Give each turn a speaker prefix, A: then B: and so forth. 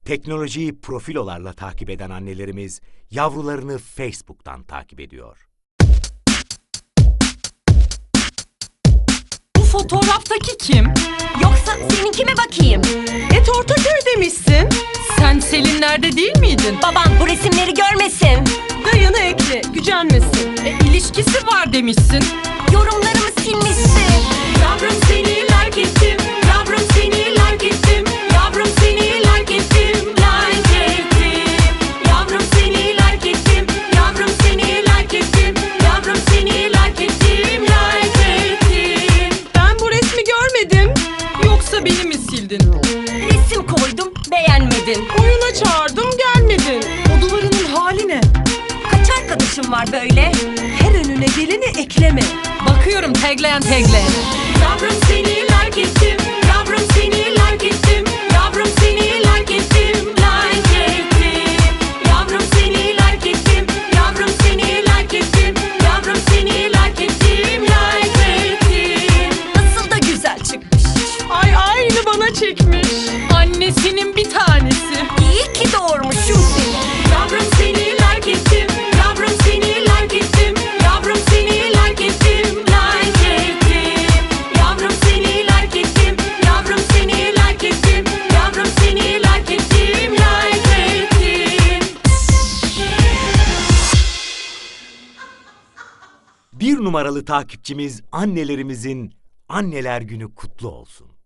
A: Teknolojiyi profilolarla takip eden annelerimiz yavrularını Facebook'tan takip ediyor.
B: Bu fotoğraftaki kim?
C: Yoksa seninki mi bakayım?
B: Ortaköy demişsin. Sen Selinler'de değil miydin?
C: Baban bu resimleri görmesin.
B: Dayını ekle, gücenmesin. İlişkisi var demişsin.
C: Yorumlarımı silmişsin.
B: Yavrum seni like ettim. Yavrum seni like ettim. Yavrum seni like ettim. Like ettim. Yavrum seni like ettim. Yavrum seni like ettim. Yavrum seni like ettim. Like ettim. Ben bu resmi görmedim. Yoksa beni mi sildin?
C: Resim koydum, beğenmedin.
B: Oyuna çağırdım, gelmedin. O duvarının hali ne?
C: Kaç arkadaşım var böyle?
B: Her önüne geleni ekleme. Bakıyorum tagleyen. Yavrum seni like ettim. Yavrum seni like ettim. Yavrum seni like ettim. Like ettim. Yavrum seni like ettim. Yavrum seni like ettim. Yavrum seni like ettim. Like ettim.
C: Nasıl da güzel çıkmış.
B: Ay aynı bana çekmiş. Annesinin bir tanesi.
C: İyi ki doğurmuşum seni.
B: Yavrum seni like ettim. Yavrum seni like ettim. Yavrum seni like ettim. Like ettim. Yavrum seni like ettim. Yavrum seni like ettim. Yavrum seni like ettim. Like ettim.
A: Bir numaralı takipçimiz annelerimizin Anneler Günü kutlu olsun.